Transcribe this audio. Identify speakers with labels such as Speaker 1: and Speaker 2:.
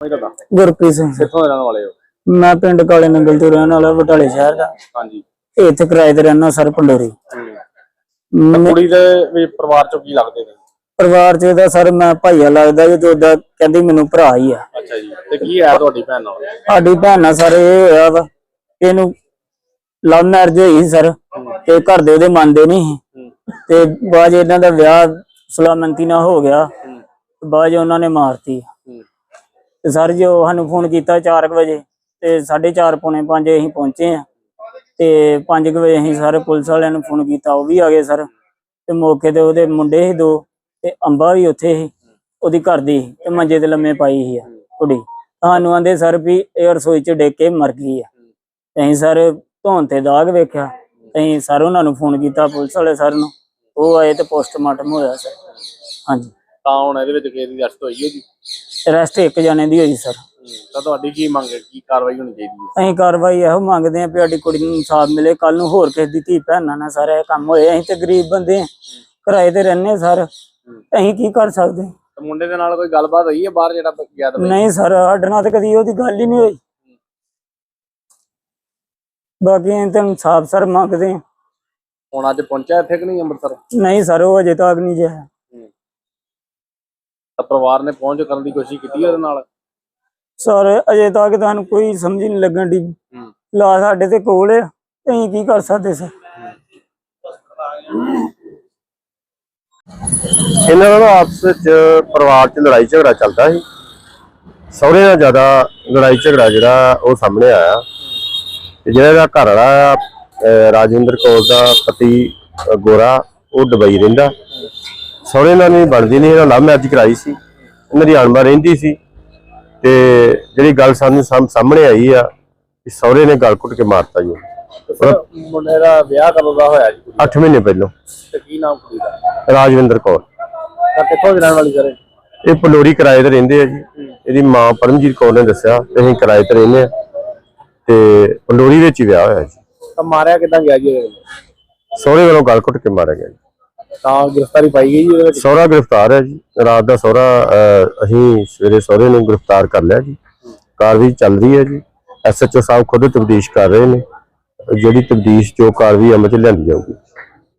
Speaker 1: ਗੁਰਪ੍ਰੀਤ ਸਿੰਘ
Speaker 2: ਕਿੱਥੋਂ ਦੇ ਰਹਿਣ ਵਾਲੇ ਹੋ?
Speaker 1: ਮੈਂ ਪਿੰਡ ਕਾਲੇ ਨੰਗਲ ਤੋਂ ਰਹਿਣ ਵਾਲਾ ਬਟਾਲੇ ਸ਼ਹਿਰ ਦਾ।
Speaker 2: ਹਾਂਜੀ।
Speaker 1: ਇੱਥੇ ਕਿਰਾਏ ਤੇ ਰਹਿਣਾ ਸਰ ਪੰਡੋਰੀ।
Speaker 2: ਕੁੜੀ ਦੇ ਵੀ ਪਰਿਵਾਰ ਚੋਂ ਕੀ ਲੱਗਦੇ ਨੇ?
Speaker 1: ਪਰਿਵਾਰ ਚ ਇਹਦਾ ਸਰ ਮੈਂ ਭਾਈਆ ਲੱਗਦਾ ਜੀ, ਤੇ ਉਹਦਾ ਕਹਿੰਦੀ ਮੈਨੂੰ ਭਰਾ ਹੀ ਆ।
Speaker 2: ਅੱਛਾ ਜੀ। ਤੇ ਕੀ ਹੈ ਤੁਹਾਡੀ ਭੈਣ ਨਾਲ?
Speaker 1: ਸਾਡੀ ਭੈਣ ਨਾਲ ਸਰ ਇਹ ਹੋਇਆ ਵਾ, ਇਹਨੂੰ ਲਵ ਮੈਰਿਜ ਹੋਈ ਸਰ, ਤੇ ਘਰ ਦੇ ਉਹਦੇ ਮੰਨਦੇ ਨਹੀਂ ਤੇ ਬਾਅਦ ਇਹਨਾਂ ਦਾ ਵਿਆਹ ਸਲਾਮੰਤੀ ਨਾਲ ਹੋ ਗਿਆ, ਬਾਅਦ ਉਹਨਾਂ ਨੇ ਮਾਰਤੀ। ਤੇ ਸਰ ਜੀ ਉਹ ਸਾਨੂੰ ਫੋਨ ਕੀਤਾ 4 ਵਜੇ, ਤੇ 4:30 ਪੌਣੇ 5 ਅਸੀਂ ਪਹੁੰਚੇ ਆ, ਤੇ 5 ਵਜੇ ਅਸੀਂ ਸਾਰੇ ਪੁਲਿਸ ਵਾਲਿਆਂ ਨੂੰ ਫੋਨ ਕੀਤਾ, ਉਹ ਵੀ ਆ ਗਏ ਸਰ। ਤੇ ਮੌਕੇ ਤੇ ਉਹਦੇ ਮੁੰਡੇ ਸੀ 2, ਤੇ ਅੰਬਾ ਵੀ ਉੱਥੇ ਸੀ, ਉਹਦੀ ਘਰ ਦੀ, ਤੇ ਮੰਜੇ ਤੇ ਲੰਮੇ ਪਾਈ ਸੀ ਕੁੜੀ। ਸਾਨੂੰ ਆਂਦੇ ਸਰ ਵੀ ਇਹ ਰਸੋਈ ਚ ਡਿੱਗ ਕੇ ਮਰ ਗਈ ਆ। ਅਸੀਂ ਸਰ ਧੌਣ ਤੇ ਦਾਗ ਵੇਖਿਆ, ਅਸੀਂ ਸਰ ਉਹਨਾਂ ਨੂੰ ਫੋਨ ਕੀਤਾ ਪੁਲਿਸ ਵਾਲੇ ਸਰ ਨੂੰ, ਉਹ ਆਏ ਤੇ ਪੋਸਟਮਾਰਟਮ ਹੋਇਆ ਸਰ। ਹਾਂਜੀ।
Speaker 2: ਤਾਂ ਹੁਣ ਇਹਦੇ ਵਿੱਚ ਕਿਸੇ ਦੀ ਅਰੈਸਟ ਹੋਈ ਹੈ ਜੀ?
Speaker 1: ਅਰੈਸਟ 1 ਜਣੇ ਦੀ ਹੋਈ ਸਰ।
Speaker 2: ਤਾਂ ਤੁਹਾਡੀ ਕੀ ਮੰਗ ਹੈ, ਕੀ ਕਾਰਵਾਈ ਹੋਣੀ ਚਾਹੀਦੀ ਹੈ?
Speaker 1: ਅਸੀਂ ਕਾਰਵਾਈ ਇਹੋ ਮੰਗਦੇ ਆਂ ਵੀ ਸਾਡੀ ਕੁੜੀ ਨੂੰ ਇਨਸਾਫ ਮਿਲੇ, ਕੱਲ ਨੂੰ ਹੋਰ ਕਿਸੇ ਦੀ ਧੀ ਭੈਣਾਂ ਨਾਲ ਸਾਰਾ ਇਹ ਕੰਮ ਹੋਏ। ਅਸੀਂ ਤੇ ਗਰੀਬ ਬੰਦੇ ਆਂ, ਕਿਰਾਏ ਤੇ ਰਹਿੰਦੇ ਸਰ, ਅਸੀਂ ਕੀ ਕਰ ਸਕਦੇ?
Speaker 2: ਮੁੰਡੇ ਦੇ ਨਾਲ ਕੋਈ ਗੱਲਬਾਤ ਹੋਈ ਹੈ ਬਾਹਰ ਜਿਹੜਾ ਗਿਆ?
Speaker 1: ਨਹੀਂ ਸਰ, ਸਾਡੇ ਨਾਲ ਤੇ ਕਦੀ ਉਹਦੀ ਗੱਲ ਹੀ ਨਹੀਂ ਹੋਈ। ਬਾਕੀ ਅਸੀਂ ਤਾਂ ਇਨਸਾਫ ਸਰ ਮੰਗਦੇ ਆਂ।
Speaker 2: ਹੁਣ ਅੱਜ ਪਹੁੰਚਿਆ ਇੱਥੇ ਕਿ ਨਹੀਂ ਅੰਮ੍ਰਿਤਸਰ?
Speaker 1: ਨਹੀਂ ਸਰ, ਉਹ ਅਜੇ ਤੱਕ ਨਹੀਂ ਜਾਇਆ।
Speaker 2: ਤਾਂ ਪਰਿਵਾਰ ਨੇ ਪਹੁੰਚ ਕਰਨ ਦੀ ਕੋਸ਼ਿਸ਼ ਕੀਤੀ ਉਹਦੇ ਨਾਲ?
Speaker 1: ਸਰ ਅਜੇ ਤੱਕ ਤੁਹਾਨੂੰ ਕੋਈ ਸਮਝ ਨਹੀਂ ਲੱਗਣ ਦੀ। ਲਾ ਸਾਡੇ ਤੇ ਕੋਲ ਆ, ਅਸੀਂ ਕੀ ਕਰ ਸਕਦੇ ਸਰ?
Speaker 3: ਇਹਨਾਂ ਦਾ ਆਪਸ ਵਿੱਚ ਪਰਿਵਾਰ 'ਚ ਲੜਾਈ ਝਗੜਾ ਚੱਲਦਾ ਸੀ। ਸਹੁਰੇ ਨਾਲ ਜ਼ਿਆਦਾ ਲੜਾਈ ਝਗੜਾ ਜਿਹੜਾ ਉਹ ਸਾਹਮਣੇ ਆਇਆ, ਤੇ ਜਿਹੜਾ ਇਹਦਾ ਘਰ ਵਾਲਾ ਰਾਜਵਿੰਦਰ ਕੌਰ ਦਾ ਪਤੀ ਗੋਰਾ, ਉਹ ਦੁਬਈ ਰਹਿੰਦਾ। ਸਹੁਰੇ ਨਾਲ ਨਹੀਂ ਬਣਦੀ ਨਹੀਂ, ਇਹਨਾਂ ਲਵ ਮੈਰਿਜ ਕਰਾਈ ਸੀ, ਇਹਨਾਂ ਦੀ ਅਣਬਣ ਰਹਿੰਦੀ ਸੀ। ਤੇ ਜਿਹੜੀ ਗੱਲ ਸਾਨੂੰ ਸਾਹਮਣੇ ਆਈ ਆ ਕਿ ਸਹੁਰੇ ਨੇ ਗਲ ਘੁੱਟ ਕੇ ਮਾਰਤਾ ਜੀ।
Speaker 2: ਮੁੰਡੇ ਦਾ ਵਿਆਹ ਕਦੋਂ ਦਾ ਹੋਇਆ ਜੀ?
Speaker 3: 8 ਮਹੀਨੇ ਪਹਿਲਾਂ।
Speaker 2: ਤੇ ਕੀ ਨਾਮ ਕੁੜੀ ਦਾ?
Speaker 3: ਰਾਜਵਿੰਦਰ ਕੌਰ।
Speaker 2: ਤਾਂ ਕਿੱਥੋਂ ਦੀ ਰਹਿਣ ਵਾਲੀ ਸਰ?
Speaker 3: ਇਹ ਪੰਡੋਰੀ ਕਿਰਾਏ ਤੇ ਰਹਿੰਦੇ ਆ ਜੀ। ਇਹਦੀ ਮਾਂ ਪਰਮਜੀਤ ਕੌਰ ਨੇ ਦੱਸਿਆ ਤੇ ਅਸੀਂ ਕਿਰਾਏ ਤੇ ਰਹਿੰਦੇ ਆ, ਤੇ ਪੰਡੋਰੀ ਵਿੱਚ ਹੀ ਵਿਆਹ ਹੋਇਆ ਜੀ।
Speaker 2: ਤਾਂ ਮਾਰਿਆ ਕਿੱਦਾਂ ਗਿਆ ਜੀ?
Speaker 3: ਸਹੁਰੇ ਵੱਲੋਂ ਗਲ ਘੁੱਟ ਕੇ ਮਾਰਿਆ ਗਿਆ ਜੀ।
Speaker 2: ਤਾਂ ਗ੍ਰਿਫਤਾਰੀ ਪਾਈ ਗਈ ਜੀ ਉਹਦੇ ਵਿੱਚ?
Speaker 3: ਸਹੁਰਾ ਗ੍ਰਿਫਤਾਰ ਹੈ ਜੀ। ਰਾਤ ਦਾ ਸਹੁਰਾ ਅਸੀਂ ਸਵੇਰੇ ਸਹੁਰੇ ਨੂੰ ਗ੍ਰਿਫਤਾਰ ਕਰ ਲਿਆ ਜੀ। ਕਾਰਵਾਈ ਚੱਲ ਰਹੀ ਹੈ ਜੀ। SHO ਸਾਹਿਬ ਖੁਦ ਤਬਦੀਸ਼ ਕਰ ਰਹੇ ਨੇ, ਜਿਹੜੀ ਤਬਦੀਸ਼ ਜੋ ਕਾਰਵਾਈ ਅਮਲ ਚ ਲਿਆਂਦੀ ਜਾਊਗੀ।